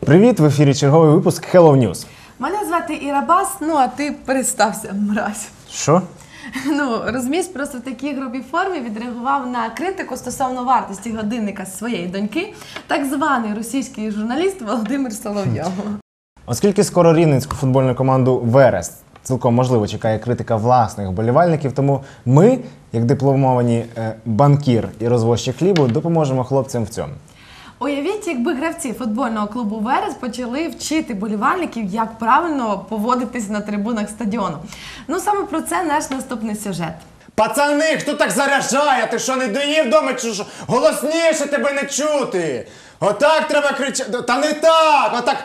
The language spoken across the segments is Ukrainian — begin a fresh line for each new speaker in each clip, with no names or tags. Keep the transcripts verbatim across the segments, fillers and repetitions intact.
Привіт, в ефірі черговий випуск Hello News.
Мене звати Іра Бас, ну а ти представся, мразь.
Що?
Ну, розумієш, просто в такій грубій формі відреагував на критику стосовно вартості годинника своєї доньки так званий російський журналіст Володимир Соловйов.
Оскільки скоро рівненську футбольну команду «Верес» цілком можливо чекає критика власних вболівальників, тому ми, як дипломовані е, банкір і розвозчик хлібу, допоможемо хлопцям в цьому.
Уявіть, якби гравці футбольного клубу «Верес» почали вчити болівальників, як правильно поводитись на трибунах стадіону. Ну, саме про це наш наступний сюжет.
Пацани, хто так заряджає? Ти що, не доїв вдома чи що? Голосніше тебе не чути. Отак треба кричати. Та не так, отак.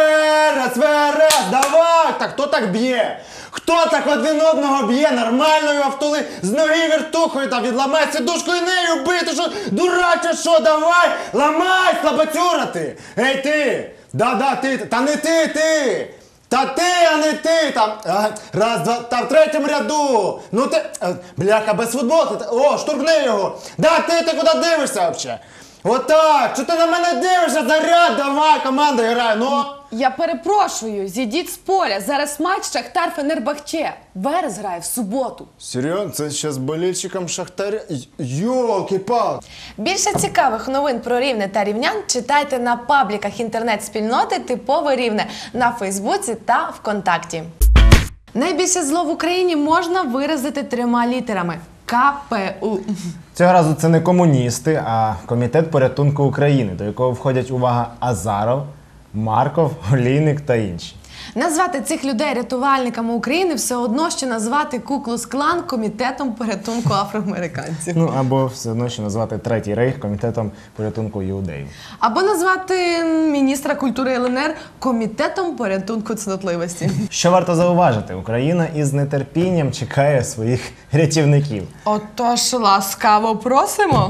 Верес, Верес, давай. Так, хто так б'є? Хто так один одного б'є? Нормально його втули з ноги вертухою та відламай сидушку і нею бити. Що, дураче, що, давай, ламай, слабацюра ти. Ей ти, да-да, ти, та не ти, ти. Та ти, а не ти, там, раз, два, та в третьому ряду, ну ти, бляха, без футболки, о, штурхни його, да ти, ти куди дивишся взагалі? Отак, що ти на мене дивишся, заряд, давай, команда грає, ну.
Я перепрошую, зійдіть з поля, зараз матч Шахтар-Фенербахче, Верес грає в суботу.
Серйозно, це ще з болільщиком Шахтаря, йолки-палки.
Більше цікавих новин про Рівне та рівнян читайте на пабліках інтернет-спільноти «Типове Рівне» на Фейсбуці та ВКонтакті. Найбільше зло в Україні можна виразити трьома літерами – Ка Пе У.
Цього разу це не комуністи, а Комітет порятунку України, до якого входять, увага, Азаров, Марков, Олійник та інші.
Назвати цих людей рятувальниками України все одно, що назвати Ку-Клукс-Клан Комітетом порятунку афроамериканців.
Ну, або все одно, що назвати Третій Рейх Комітетом порятунку іудеїв.
Або назвати міністра культури Ел Ен Ер Комітетом порятунку цнотливості.
Що варто зауважити, Україна із нетерпінням чекає своїх рятівників.
Отож, ласкаво просимо.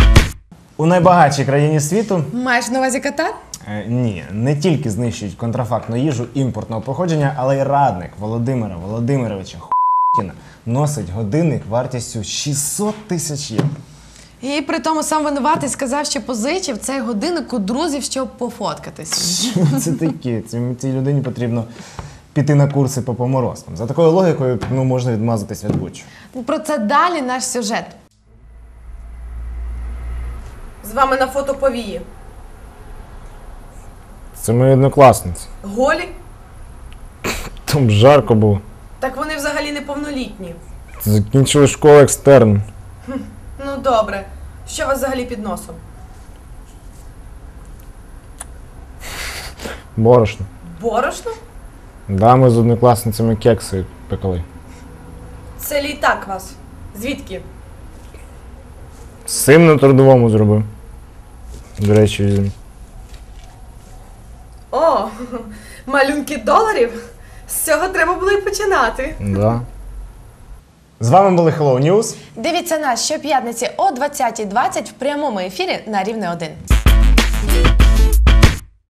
У найбагатшій країні світу...
Маєш на увазі Катар?
Е, ні, не тільки знищують контрафактну їжу імпортного походження, але й радник Володимира Володимировича Хуїна носить годинник вартістю шістсот тисяч євро.
І при тому сам винуватий сказав, що позичив цей годинник у друзів, щоб пофоткатись.
Що це таке? Цій, цій людині потрібно піти на курси по поморозкам. За такою логікою, ну, можна відмазатись від будь-чого.
Про це далі наш сюжет. З вами на фото повії.
Це мої однокласниці.
Голі?
Там жарко було.
Так вони взагалі неповнолітні.
Закінчили школу екстерн.
Ну добре. Що у вас взагалі під носом?
Борошно.
Борошно?
Да, ми з однокласницями кекси пекли.
Це літак вас. Звідки?
Сим на трудовому зробив. До речі, візьмі.
О, малюнки доларів? З цього треба було і починати.
Да. З вами були Hello News.
Дивіться нас щоп'ятниці о двадцятій двадцять в прямому ефірі на Рівне один.